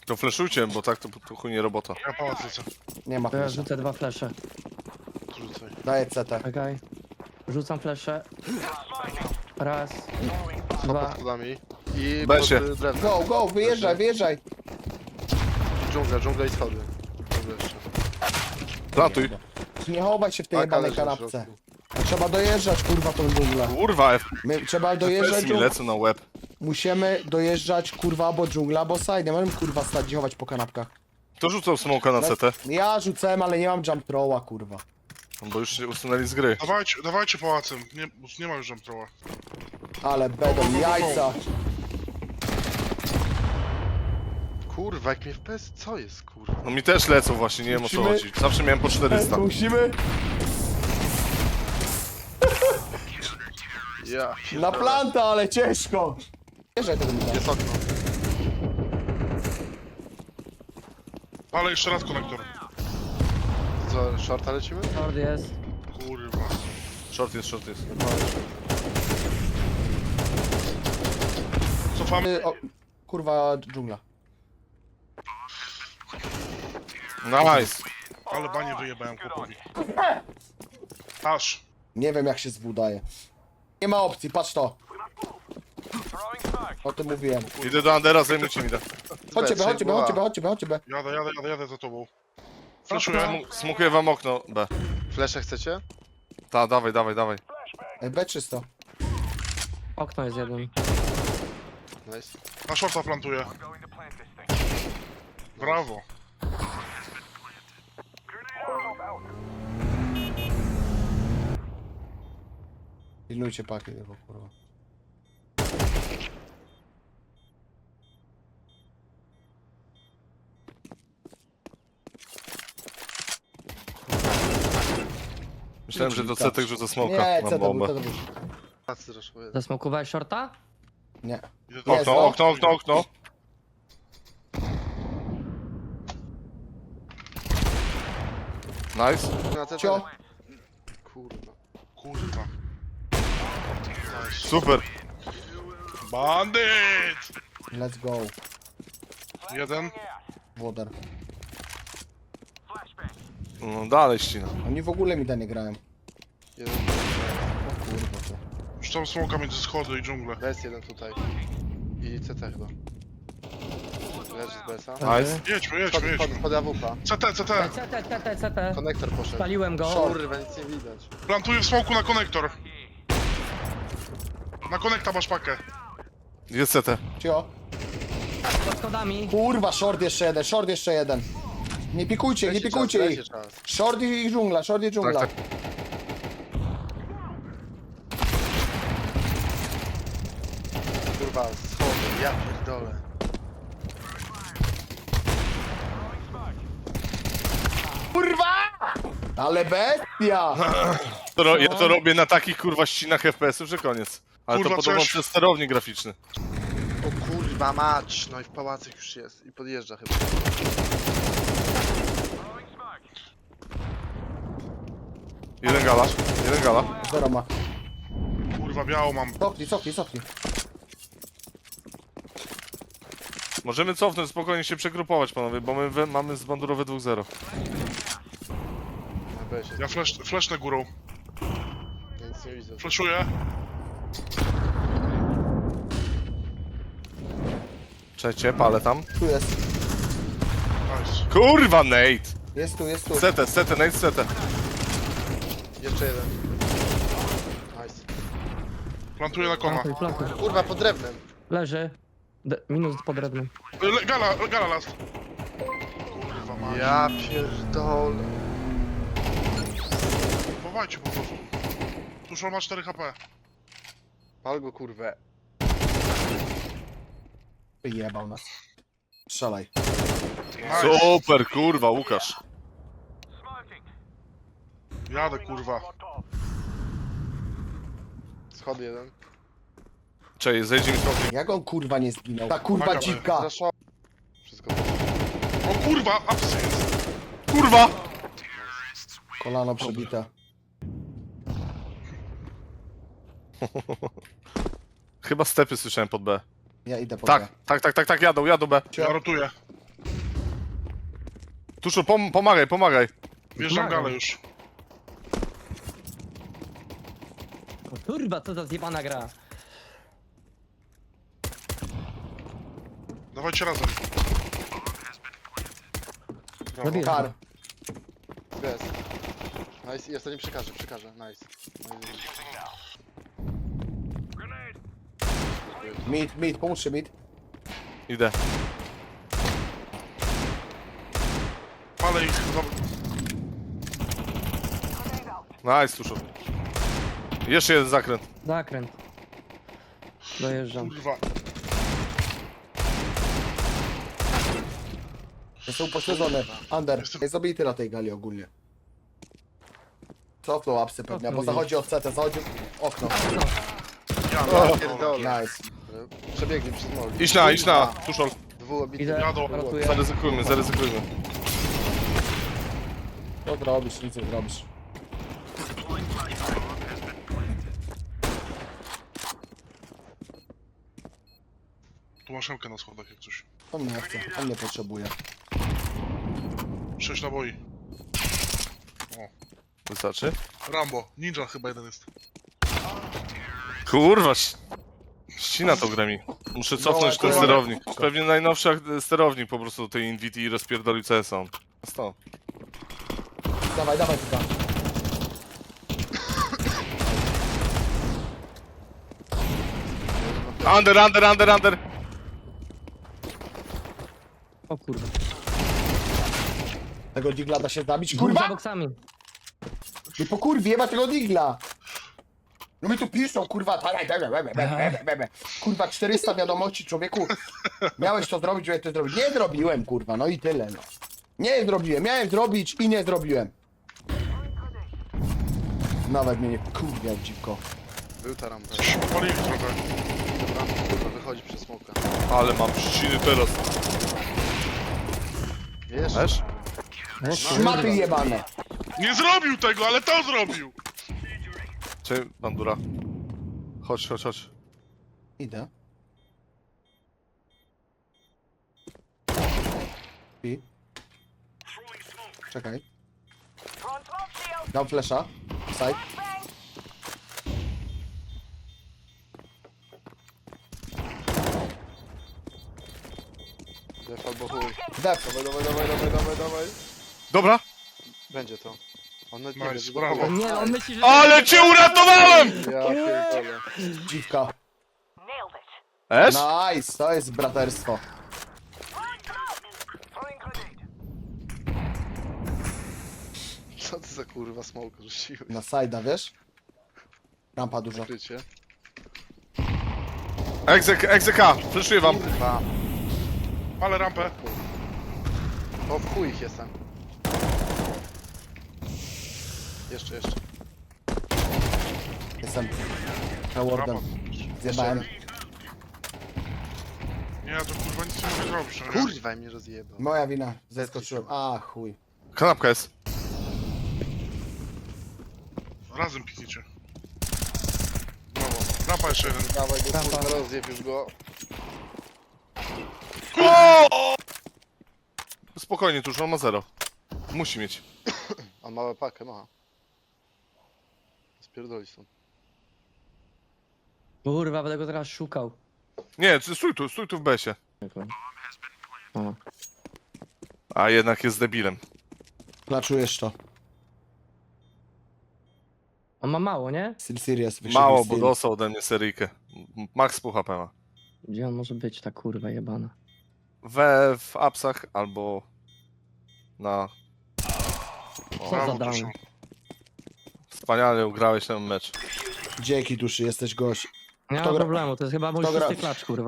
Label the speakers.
Speaker 1: To fleszujcie, bo tak to chuj nie robota.
Speaker 2: Ja pałac lecę.
Speaker 3: Nie ma
Speaker 4: To ja
Speaker 3: flasha.
Speaker 4: rzucę 2 flesze.
Speaker 2: Rzucaj.
Speaker 3: Daję CT.
Speaker 4: Czekaj. Rzucam flesze. Raz,
Speaker 5: Pod
Speaker 4: dwa.
Speaker 5: schodami. I
Speaker 1: Besie.
Speaker 5: pod drewnem.
Speaker 3: Go, go, wyjeżdżaj, wyjeżdżaj.
Speaker 5: Dżungla i schody. Dobra jeszcze.
Speaker 1: Platuj.
Speaker 3: Nie chowaj się w tej
Speaker 5: Paka
Speaker 3: jebanej
Speaker 5: leży na
Speaker 3: kanapce.
Speaker 5: środku.
Speaker 3: Trzeba dojeżdżać, kurwa, tą dżunglę.
Speaker 1: Kurwa,
Speaker 3: Trzeba dojeżdżać,
Speaker 1: FPS mi lecą na łeb.
Speaker 3: musimy dojeżdżać, kurwa, albo dżungla, albo side. Nie możemy, kurwa, stać i chować po kanapkach.
Speaker 1: Kto rzucał smoka na CT?
Speaker 3: Ja rzucałem, ale nie mam jump throwa, kurwa.
Speaker 1: Bo już się usunęli z gry.
Speaker 2: Dawajcie pałacem. Nie ma już jump
Speaker 3: Ale będą jajca.
Speaker 5: Kurwa, jak mnie FPS, co jest kurwa?
Speaker 1: No mi też lecą właśnie, nie wiem o co
Speaker 3: Musimy-
Speaker 1: chodzi. Zawsze miałem po 400.
Speaker 3: Musimy
Speaker 5: Ja.
Speaker 3: na planta, ale ciężko. Wjeżdżaj tego mi
Speaker 5: Jest okno.
Speaker 2: Ale jeszcze raz konektor.
Speaker 5: Co, shorta lecimy?
Speaker 4: Short jest.
Speaker 2: Kurwa.
Speaker 1: Short jest.
Speaker 2: Cofamy.
Speaker 3: O, kurwa, dżungla.
Speaker 1: Nice.
Speaker 2: Ale banie wyjebałem chłopowi. Aż.
Speaker 3: Nie wiem, jak się zbudaje. Nie ma opcji, patrz to. O tym mówiłem.
Speaker 1: Idę do Andera, zajmujcie mi da.
Speaker 3: Chodźcie,
Speaker 5: Trzeba
Speaker 3: chodźcie,
Speaker 5: była.
Speaker 3: chodźcie.
Speaker 2: Jadę za tobą. Flashuję.
Speaker 1: Smukuję wam okno B.
Speaker 5: Flesze chcecie?
Speaker 1: Ta, dawaj.
Speaker 3: B czysto.
Speaker 4: Okno jest jeden.
Speaker 5: Nice.
Speaker 2: Na shorta plantuję. Brawo.
Speaker 3: Pilnujcie paki tego, kurwa.
Speaker 1: Myślałem, że do CT rzucę smoka.
Speaker 3: Nie,
Speaker 1: Mam
Speaker 3: CT był,
Speaker 1: bombę.
Speaker 3: CT był.
Speaker 5: Tacy zresztą.
Speaker 4: Zasmokowałeś shorta?
Speaker 3: Nie.
Speaker 2: Idę do...
Speaker 3: Jest, no.
Speaker 1: Okno. Nice.
Speaker 5: Na CT.
Speaker 3: Cio.
Speaker 5: Kurwa.
Speaker 2: Kurwa.
Speaker 1: Super.
Speaker 2: Bandyt!
Speaker 3: Let's go.
Speaker 2: Jeden.
Speaker 3: Wodar.
Speaker 1: No dalej ścina.
Speaker 3: Oni w ogóle mi da nie grają.
Speaker 5: Jeden.
Speaker 3: O kurwa to.
Speaker 2: Już tam smoka między schody i dżunglę.
Speaker 5: BS jeden tutaj. I CT chyba. Leży z BS-a.
Speaker 1: Nice.
Speaker 2: Jedźmy.
Speaker 5: Pod AWP.
Speaker 2: CT.
Speaker 4: CT.
Speaker 5: Konektor poszedł.
Speaker 4: Spaliłem go.
Speaker 5: Kurwa, nic nie widać.
Speaker 2: Plantuję w smoku na konektor. Na konekta masz pakę.
Speaker 1: Jest CT.
Speaker 3: Cio.
Speaker 4: Pod schodami.
Speaker 3: Kurwa, short jeszcze jeden. Nie pikujcie ich.
Speaker 5: Leci czas.
Speaker 3: Short i dżungla,
Speaker 1: Tak.
Speaker 5: Kurwa, schody, ja pierdolę.
Speaker 3: Ale bestia!
Speaker 1: Ja to robię na takich kurwa ścinach FPS-ów, że koniec. Ale
Speaker 2: Kurwa,
Speaker 1: to podobno
Speaker 2: coś-
Speaker 1: przez sterownik graficzny.
Speaker 5: O kurwa mać, no i w pałacach już jest. I podjeżdża chyba.
Speaker 1: Jeden gala.
Speaker 3: Zero ma.
Speaker 2: Kurwa, biało mam.
Speaker 3: Cofnij.
Speaker 1: Możemy cofnąć, spokojnie się przegrupować panowie, bo my mamy zbandurowe 2-0.
Speaker 5: Na BS
Speaker 2: Ja flashnę górą.
Speaker 5: ja nic nie widzę.
Speaker 2: Flashuję.
Speaker 1: Trzecie, palę tam.
Speaker 3: Tu jest.
Speaker 2: Nice.
Speaker 1: Kurwa, Nate!
Speaker 3: Jest tu.
Speaker 1: CT, Nate, CT.
Speaker 5: Jeszcze jeden. Nice.
Speaker 2: Plantuję na kona.
Speaker 4: Plantuj.
Speaker 5: Kurwa, pod drewnem.
Speaker 4: Leży. Minus pod drewnem.
Speaker 2: Gala last. Kurwa mać.
Speaker 5: Ja pierdolę.
Speaker 2: Chowajcie po prostu. Tuż ma 4 HP.
Speaker 5: Pal go kurwę.
Speaker 3: Jebał nas. Strzelaj.
Speaker 2: Nice.
Speaker 1: Super, kurwa, Łukasz.
Speaker 2: Jadę kurwa.
Speaker 5: Schody jeden.
Speaker 1: Cześć, zejdzie mi trochę.
Speaker 3: Jak on kurwa nie zginął? Ta kurwa
Speaker 2: Uwaga,
Speaker 3: dzika.
Speaker 5: Zaszło. Wszystko.
Speaker 2: O kurwa, apsy jest.
Speaker 1: Kurwa!
Speaker 3: Kolano przebite.
Speaker 1: Chyba stepy słyszałem pod B.
Speaker 3: Ja idę po
Speaker 1: Tak, jadą B.
Speaker 2: Ja rotuję.
Speaker 1: Tuszu, pomagaj, pomagaj.
Speaker 2: Wjeżdżam
Speaker 4: Pomagam.
Speaker 2: galę już.
Speaker 4: O kurwa, co za zjebana gra.
Speaker 2: Dawajcie razem. Brawo.
Speaker 4: Zabiję.
Speaker 3: Kar.
Speaker 5: Bez. Nice, i ostatni przekażę. Nice.
Speaker 3: Mid, pomóżcie mid.
Speaker 1: Idę.
Speaker 2: Palę ich.
Speaker 1: Nice, Tuszu. Jeszcze jeden zakręt.
Speaker 4: Zakręt. Dojeżdżam.
Speaker 2: Kurwa.
Speaker 3: Jestem upośledzony. Under.
Speaker 2: Jestem-
Speaker 3: Jest zabity na tej gali ogólnie. Cofnął apsy pewnie, bo
Speaker 4: Cofnął
Speaker 3: zachodzi od CT, zachodzi okno.
Speaker 2: Ja
Speaker 5: Pierdolę.
Speaker 3: Nice.
Speaker 5: Przebiegli przez moli.
Speaker 1: Idź na, Tuszol.
Speaker 5: Dwóch obity.
Speaker 4: Idę,
Speaker 2: Jadą.
Speaker 4: rotuję.
Speaker 1: Zaryzykujmy.
Speaker 3: Co zrobisz, nic nie zrobisz.
Speaker 2: Tu masz szemkę na schodach jak coś.
Speaker 3: On nie chce, on nie potrzebuje.
Speaker 2: 6 naboi.
Speaker 1: Wystarczy?
Speaker 2: Rambo. Ninja chyba jeden jest.
Speaker 1: Kurwa, ścina to grę mi. Muszę cofnąć ten
Speaker 3: kurwa.
Speaker 1: sterownik. Pewnie najnowszy sterownik po prostu do tej Invity i rozpierdolił CS-a. Stop.
Speaker 3: Dawaj, tutaj.
Speaker 1: Under!
Speaker 4: O kurwa.
Speaker 3: Tego digla da się zabić,
Speaker 4: Kurwa
Speaker 3: kurwa!
Speaker 4: boksami.
Speaker 3: Nie po kurwie, ma tego digla! No mi tu piszą, kurwa, kurwa, 400 wiadomości, człowieku. Miałeś to zrobić, miałeś to zrobić. Nie zrobiłem, kurwa, no i tyle, no. Nie zrobiłem, miałem zrobić i nie zrobiłem. Nawet mnie nie kurwiał dziwko.
Speaker 5: Był ta rampa.
Speaker 2: Coś palili trochę.
Speaker 5: Rampa, kurwa, wychodzi przez smoka.
Speaker 1: Ale mam ściny teraz.
Speaker 5: Wiesz?
Speaker 1: Wiesz?
Speaker 3: Szmaty jebane.
Speaker 2: Nie zrobił tego, ale to zrobił!
Speaker 1: Cześć, bandura. Chodź.
Speaker 3: Idę. I? Czekaj. Dam flesza. Side.
Speaker 5: Def albo chuj.
Speaker 3: Def.
Speaker 5: Dawaj.
Speaker 1: Dobra.
Speaker 5: Będzie to. On nawet
Speaker 2: Nice,
Speaker 5: nie wie,
Speaker 2: brawo.
Speaker 5: że
Speaker 4: Nie, on myśli, że...
Speaker 1: Ale cię uratowałem!
Speaker 5: Ja pierdolę.
Speaker 3: Dziwka.
Speaker 1: Esz?
Speaker 3: Nice, to jest braterstwo.
Speaker 5: Co ty za kurwa smoke rzuciłeś?
Speaker 3: Na side'a, wiesz? Rampa duża.
Speaker 5: Krycie.
Speaker 1: Egzeka, fleszuję wam.
Speaker 5: Kurwa.
Speaker 2: Ale rampę.
Speaker 5: O w chuj ich jestem. Jeszcze.
Speaker 3: Jestem. Rewardem.
Speaker 2: Rampa.
Speaker 3: Zjebałem.
Speaker 2: Nie, to kurwa nic nie mogę zrobić, no nie?
Speaker 5: Kurwa mnie rozjebał.
Speaker 3: Moja wina. Zeskoczyłem. A, chuj.
Speaker 1: Kanapka jest.
Speaker 2: Razem pikniecie. Brawo. Rampa jeszcze jeden.
Speaker 5: Dawaj go
Speaker 4: Rampa.
Speaker 5: kurwa, rozjeb już go.
Speaker 1: Spokojnie, Tusz, on ma 0. Musi mieć.
Speaker 5: On ma pakę, ma. Spierdoli stąd.
Speaker 4: Kurwa, będę go teraz szukał.
Speaker 1: Nie, stój tu w besie.
Speaker 4: O.
Speaker 1: A jednak jest debilem.
Speaker 3: Klaczujesz to.
Speaker 4: On ma mało, nie?
Speaker 3: Still serious.
Speaker 1: Mało, bo dostał ode mnie seryjkę. Max pół HP ma.
Speaker 4: Gdzie on może być, ta kurwa jebana?
Speaker 1: W apsach albo na...
Speaker 4: Co
Speaker 2: Brawo,
Speaker 4: za down?
Speaker 2: Tuszu.
Speaker 1: Wspaniale ugrałeś ten mecz.
Speaker 3: Dzięki duszy, jesteś gość.
Speaker 4: Nie
Speaker 3: Kto
Speaker 4: ma
Speaker 3: gra-
Speaker 4: problemu, to jest chyba mój
Speaker 3: kto gra-
Speaker 4: szósty klacz, kurwa.